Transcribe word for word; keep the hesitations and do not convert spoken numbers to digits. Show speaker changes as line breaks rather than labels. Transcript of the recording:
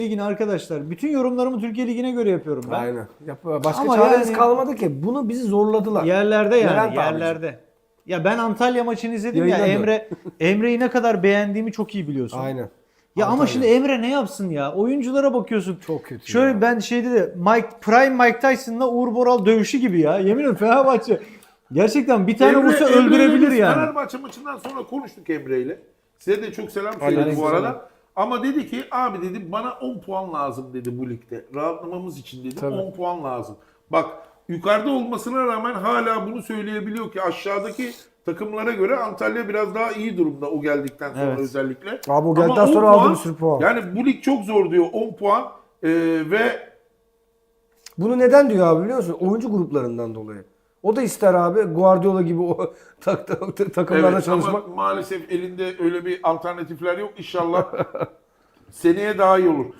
Ligi'ne arkadaşlar. Bütün yorumlarımı Türkiye Ligi'ne göre yapıyorum ben.
Aynen. Yap, başka
Ama
çaremiz
yani-
kalmadı ki. Bunu bizi zorladılar.
Yerlerde yani
Levent abicim.
yerlerde. Ya ben Antalya maçını izledim
Yayına
ya
dön.
Emre Emre'yi ne kadar beğendiğimi çok iyi biliyorsun.
Aynen.
Ya ama
Antalya.
şimdi Emre ne yapsın ya? Oyunculara bakıyorsun.
Çok kötü
Şöyle
ya.
ben şeyde de Mike Prime Mike Tyson'la Uğur Boral dövüşü gibi ya. Yemin ederim Fenerbahçe. Gerçekten bir tane
Emre-
vursa
Emre'yle
öldürebilir
biz
yani.
Fenerbahçe maçından sonra konuştuk Emre'yle. Size de çok selam söyledi bu
Aleykümselam.
arada. Ama dedi ki abi dedi bana on puan lazım dedi bu ligde. Rahatlamamız için dedi
Tabii.
on puan lazım. Bak yukarıda olmasına rağmen hala bunu söyleyebiliyor ki aşağıdaki takımlara göre Antalya biraz daha iyi durumda o geldikten sonra
Evet.
özellikle.
Abi o
Ama
geldikten
on
sonra aldı
puan,
bir sürü puan.
Yani bu lig çok zor diyor on puan ee, ve
Bunu neden diyor abi biliyor musun? Oyuncu gruplarından dolayı. O da ister abi Guardiola gibi o tak, tak, tak- takımlarda
evet,
çalışmak.
ama maalesef elinde öyle bir alternatifler yok. İnşallah seneye daha iyi olur.